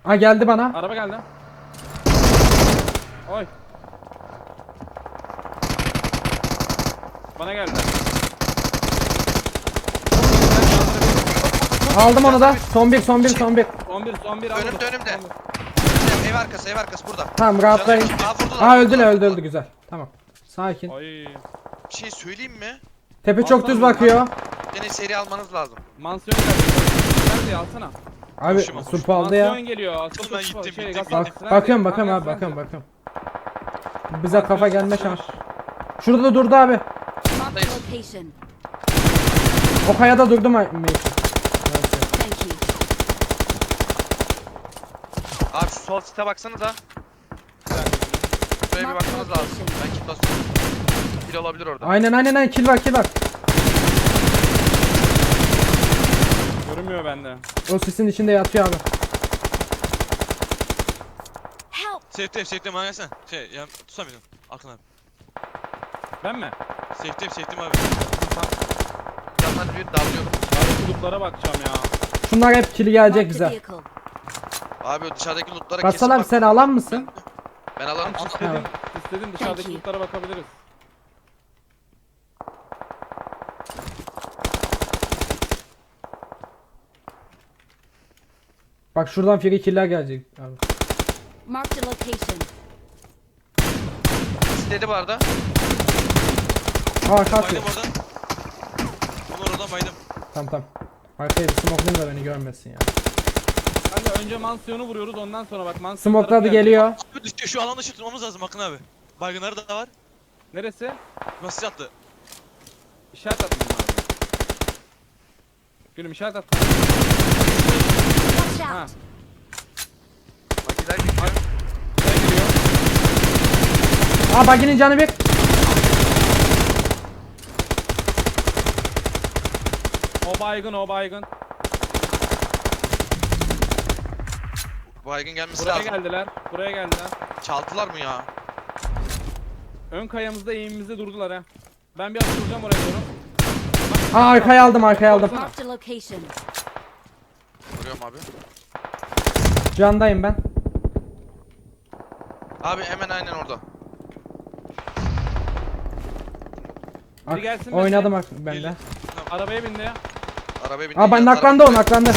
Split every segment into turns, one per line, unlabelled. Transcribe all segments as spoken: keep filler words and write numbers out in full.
Ha geldi bana.
Araba geldi. Oy. Bana geldi.
Aldım onu da. Son bir son bir son bir.
on bir son bir aldım.
Önümde önümde. Ev arkası ev arkası burada.
Tamam rahatlayın.
Canım, aa, vurdular,
Ha öldü
vurdular,
öldü
vurdular.
öldü güzel. Tamam. Sakin.
Oy.
Bir şey söyleyeyim mi?
Tepe çok
Alsana
düz
bunu,
bakıyor.
Gene seri almanız lazım.
Mansiyon geldi. Nerede alsana.
Abi
Koşuma, koşuma.
sup aldı ya.
Mansiyon geliyor.
Oğlum ben gittim,
Şey,
gittim,
gaz
Bak,
taksisi.
bakıyorum
Nerede?
bakıyorum abi
Nerede?
bakıyorum bakıyorum. Bize kafa gelme şans. Şurada da durdu abi.
Marked a location.
O kayada durdu mu? Meyfi?
Thank you.
Abi şu sol site baksanıza. Şuraya bir bakmanız lazım. Ben kit basıyorum. Kill olabilir orada.
Aynen aynen aynen kill var kill var.
Görünmüyor bende.
O sisin içinde yatıyor abi.
Help!
Safe'deyim safe'deyim bana gelsene. Şey ya tutamıyorum. Akın abi.
Ben mi?
Safe'deyim safe'deyim abi.
Canlar bir davranıyorum.
Abi kulüplere bakacağım ya.
Şunlar hep kill gelecek
Marked a
bize.
vehicle.
Abi o dışarıdaki lootlara
Gassal abi
bak.
sen alan mısın?
Ben alırım.
İstedim, istedim dışarıdaki
Thank you.
kulüplere bakabiliriz.
Bak şuradan free killer gelecek abi.
Marked a location.
İstedi bu arada.
Aa arka atıyor.
Baydım oradan. Bunu oradan baydım.
Tamam tamam. Arkaya bir smoke'layım da beni görmesin ya.
Ben de önce mansiyonu vuruyoruz ondan sonra bak mansiyon
Smoke'ladı
tarafı geldi.
geliyor.
Abi düştü şu alan dışı tutmamız lazım Akın abi. Baygınları da var.
Neresi?
Nasıl attı?
İşaret attım abi. Gülüm işaret attım.
Watch
Ha.
out!
Makiler geçiyor.
Buraya geliyor.
Aa baginin canı bir.
O baygın o baygın.
Baygın gelmesi
Buraya
lazım.
geldiler. Buraya geldiler.
Çaldılar mı ya?
Ön kayamızda eğimimizde durdular ha. Ben bir atılacağım oraya doğru.
Aa arkaya aldım arkaya aldım.
Marked a location.
Vuruyorum abi.
Candayım ben.
Abi hemen aynen orada.
Ak-
Biri gelsin
oynadım
mesela.
ak- ben de.
Gelin.
Arabaya bindi ya.
Arabaya bindi.
Aa ben
yan
naklandı o
tarafa-
naklandı.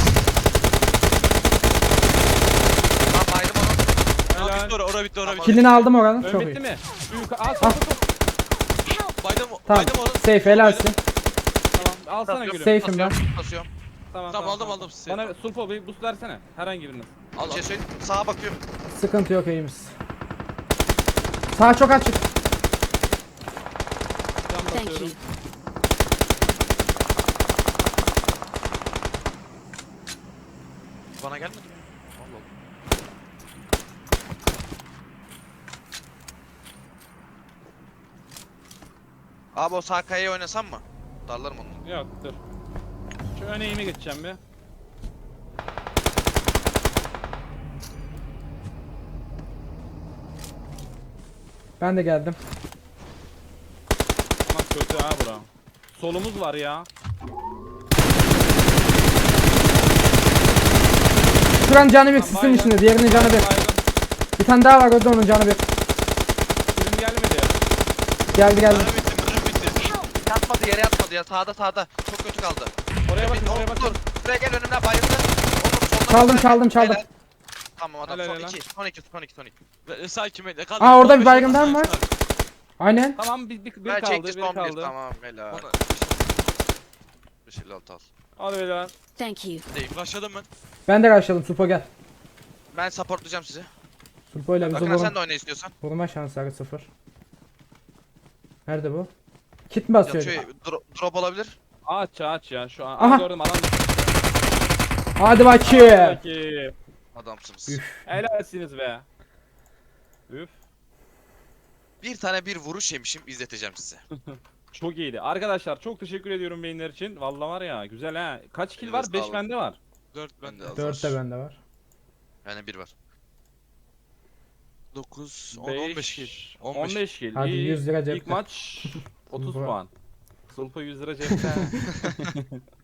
Tamam baydım onu.
Aa,
Helal.
bitti ora, ora bitti ora bitti.
Killini aldım oranın.
Ön
Çok
bitti
iyi.
mi? Şu yukarı. Aa sol sol sol.
Baydım,
Tamam.
baydım oradan.
Safe helalsin.
Tamam. Alsana
Basıyorum,
gülüm.
Safe'im ben.
basıyorum, basıyorum.
Tamam,
Tamam, aldım, aldım sizi.
Bana sulfo bir boost versene. Herhangi biriniz.
Bir şey söyleyeyim. Sağa bakıyorum.
Sıkıntı yok iyimiz. Sağ çok açık.
Cam
Thank you.
basıyorum.
Bana gelmedi mi? Allah Allah. Abi o sağ kayaya oynasam mı? Darlarım onu.
Yok dur. Şu ön eğime geçeceğim bir.
Ben de geldim.
Ama kötü ha bura. Solumuz var ya.
Şuranın canı bir
Tamam,
sisin
baygın.
içinde. Diğerinin canı bir.
Baygın.
Bir tane daha var o da onun canı bir.
Film gelmedi ya.
Geldi geldi.
Mermi bitti, mermi bitti.
Yatmadı yere yatmadı ya sağda sağda. Çok kötü kaldı.
Oraya bakın
Bir-
oraya
Dur,
bakın.
Dur. Buraya gel önümden bayıldı. Onur soldan
Çaldım
gel.
çaldım çaldım.
Helal. Tamam adam
Helal,
son
helal.
iki. Son iki son iki son iki.
Ve- Sakin bekle. Kaldı.
Aa, orada
on
bir
beş
baygın daha
dakika
mı var?
var?
Aynen.
Tamam bir, bir, bir
Ben
kaldı
çekti
bir
son bir.
kaldı.
Tamam helal.
Ona
beş elli altı al.
Hadi beyler.
Thank you.
değil. Başladım ben.
Ben de karşıladım. Supo gel.
Ben supportlayacağım sizi.
Supo ile bizi
Akın sen
vurma,
de oyna istiyorsan.
vurma şansları sıfır. Nerede bu? Kit mi basıyor?
Yatıyor. Dro drop olabilir.
Aç aç ya şu an.
Aha.
Aa, gördüm adam.
Hadi bakayım.
Peki.
Adamsınız.
Üf.
Helalsiniz be. Üf.
Bir tane bir vuruş yemişim izleteceğim size.
Çok iyiydi. Arkadaşlar çok teşekkür ediyorum beyinler için. Vallahi var ya güzel ha. Kaç kill var?
Elinize
beş
sağlık.
bende var.
dört
Ben de
bende.
az
dört
var.
de bende var.
Yani bir var.
dokuz, on, on beş kill.
on
on beş.
beş kill.
Hadi
İyi.
yüz lira
İlk
cepte.
maç otuz
Bravo.
puan. Sulpa yüz lira cepte.